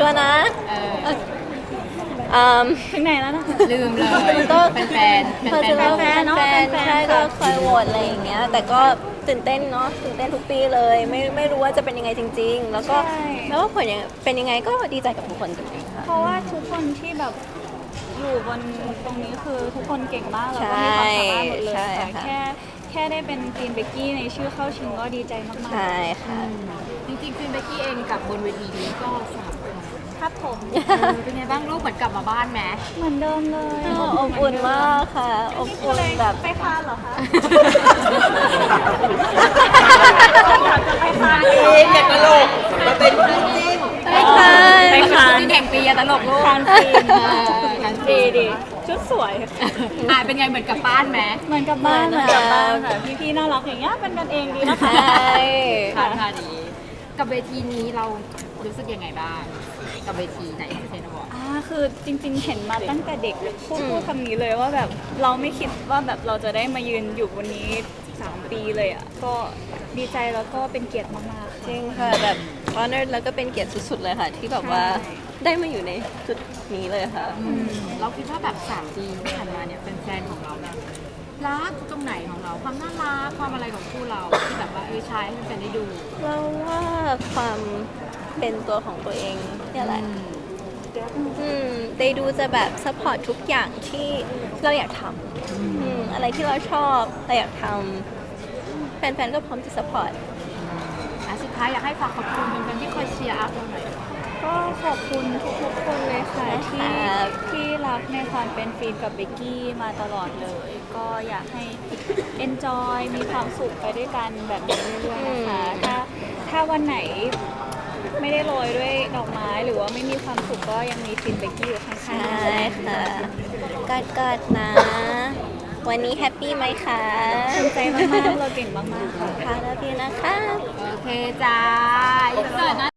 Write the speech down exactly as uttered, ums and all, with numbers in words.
ชัวร์นะเอออืมถึงไหนแล้วนะคะลืมเลยก็เป็นแฟนๆพอแฟจะนๆเป็นเราแฟนเนาะแฟนแฟนๆใช่ค่ะก็คอยโหวตอะไรอย่างเงี้ยแต่ก็ตื่นเต้นเนาะตื่นเต้นทุกปีเลยไม่ไม่รู้ว่าจะเป็นยังไงจริง ๆ แล้วก็ใช่แล้วก็ผลยังเป็นยังไงก็ดีใจกับทุกคนจริงๆค่ะเพราะว่าทุกคนที่แบบอยู่บนตรงนี้คือทุกคนเก่งมากแล้วก็มีความสามารถหมดเลยใช่ค่ะค่ะแค่แค่ได้เป็นกรีนเบกกี้ในชื่อเข้าชิงก็ดีใจมากใช่ค่ะจริงๆคุณเบกกี้เองกับบนเวทีนี้ก็สามคนๆครับผมเออเป็นไงบ้างลูกเหมือนกลับมาบ้านไหมเหมือนเดิมเลยอบอุ่นมากค่ะอบอุ่นแบบไปคานเหรอคะไปคานเองอย่าตลกมาเป็นคู่จิ้นไปค่ะไปคานที่แข่งปีอะตลกลูกคานปีนเออคานปีดีนดีชุดสวยอ่าเป็นไงเหมือนกลับบ้านไหมเหมือนกับบ้านเหเหมืมืออน นกักับบ บ้าบ้าน นค่ะพี่ๆน่ารักอย่างเงี้ยเป็นกันเองดีนะใชคะ่ค่ะค่ะดีกับเวทีนี้เรารู้สึกยังไงบ้างกับเวทีไหนเซนบอกอ่าคือจริงๆ เห็นมาตั้งแต่เด็กพูดพูดคำนี้เลยว่าแบบเราไม่คิดว่าแบบเราจะได้มายืนอยู่บนนี้สามปีเลยอ่ะก็ดีใจแล้วก็เป็นเกียรติมากๆจริค่ะงค่ะแบบ honored แล้วก็เป็นเกียรติสุดๆเลยค่ะ ที่แบบว่าใช่ได้มาอยู่ในจุดนี้เลยค่ะเราคิดว่าแบบสามปีที่ผ่านมาเนี่ยแฟนๆของเราเนี่ยรักตรงไหนของเราความน่ารักความอะไรของคู่เราที่แบบว่าเออใช้ให้แฟนๆได้ดูเราว่าความเป็นตัวของตัวเองเนี่ยแหละ อืมได้ดูจะแบบซัพพอร์ตทุกอย่างที่เราอยากทำอืมอะไรที่เราชอบเราอยากทำแฟนๆก็พร้อมจะซัพพอร์ตอ่ะสุดท้ายอยากให้ฝากขอบคุณแฟนๆที่คอยเชียร์อัพเราหน่อยก็ขอบคุณทุกๆคนเลยค่ะที่ครับที่รักในความเป็นฟิล์มกับเบกกี้มาตลอดเลย ก็อยากให้ enjoy มีความสุขไปด้วยกันแบบนี้เรื่อยๆนะคะ ถ้าถ้าวันไหนไม่ได้โรยด้วยดอกไม้หรือว่าไม่มีความสุขก็ยังมีฟิล์มเบกกี้อยู่ข้างใช่ๆค่ะกอดกอดๆนะ วันนี้แฮปปี้ไหมคะภูมิใจมากๆเราเก่งมากๆค่ะค่ะแล้วพี่นะคะโอเคจ้าอินเสิร์ตนะ